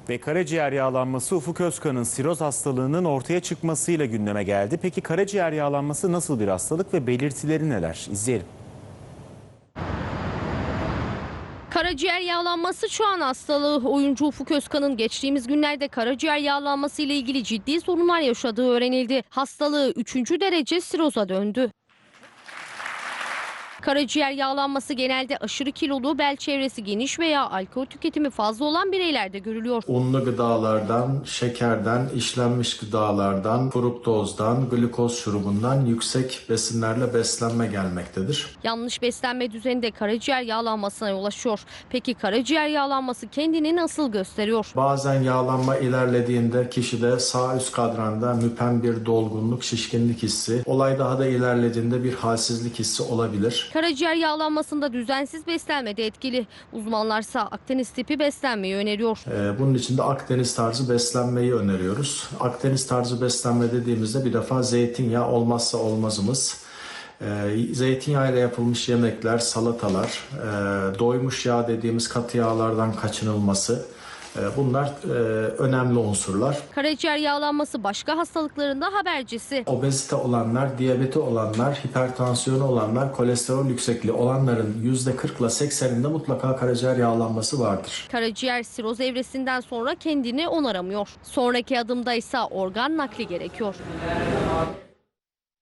Ve karaciğer yağlanması Ufuk Özkan'ın siroz hastalığının ortaya çıkmasıyla gündeme geldi. Peki karaciğer yağlanması nasıl bir hastalık ve belirtileri neler? İzleyelim. Karaciğer yağlanması çağın hastalığı. Oyuncu Ufuk Özkan'ın geçtiğimiz günlerde karaciğer yağlanması ile ilgili ciddi sorunlar yaşadığı öğrenildi. Hastalığı 3. derece siroza döndü. Karaciğer yağlanması genelde aşırı kilolu, bel çevresi geniş veya alkol tüketimi fazla olan bireylerde görülüyor. Unlu gıdalardan, şekerden, işlenmiş gıdalardan, fruktozdan, glikoz şurubundan yüksek besinlerle beslenme gelmektedir. Yanlış beslenme düzeni de karaciğer yağlanmasına yol açıyor. Peki karaciğer yağlanması kendini nasıl gösteriyor? Bazen yağlanma ilerlediğinde kişide sağ üst kadranda müpem bir dolgunluk, şişkinlik hissi, olay daha da ilerlediğinde bir halsizlik hissi olabilir. Karaciğer yağlanmasında düzensiz beslenme de etkili. Uzmanlarsa Akdeniz tipi beslenmeyi öneriyor. Bunun için de Akdeniz tarzı beslenmeyi öneriyoruz. Akdeniz tarzı beslenme dediğimizde bir defa zeytinyağı olmazsa olmazımız. Zeytinyağıyla yapılmış yemekler, salatalar, doymuş yağ dediğimiz katı yağlardan kaçınılması. Bunlar önemli unsurlar. Karaciğer yağlanması başka hastalıkların da habercisi. Obezite olanlar, diyabeti olanlar, hipertansiyonu olanlar, kolesterol yüksekliği olanların %40 ile 80'inde mutlaka karaciğer yağlanması vardır. Karaciğer siroz evresinden sonra kendini onaramıyor. Sonraki adımda ise organ nakli gerekiyor.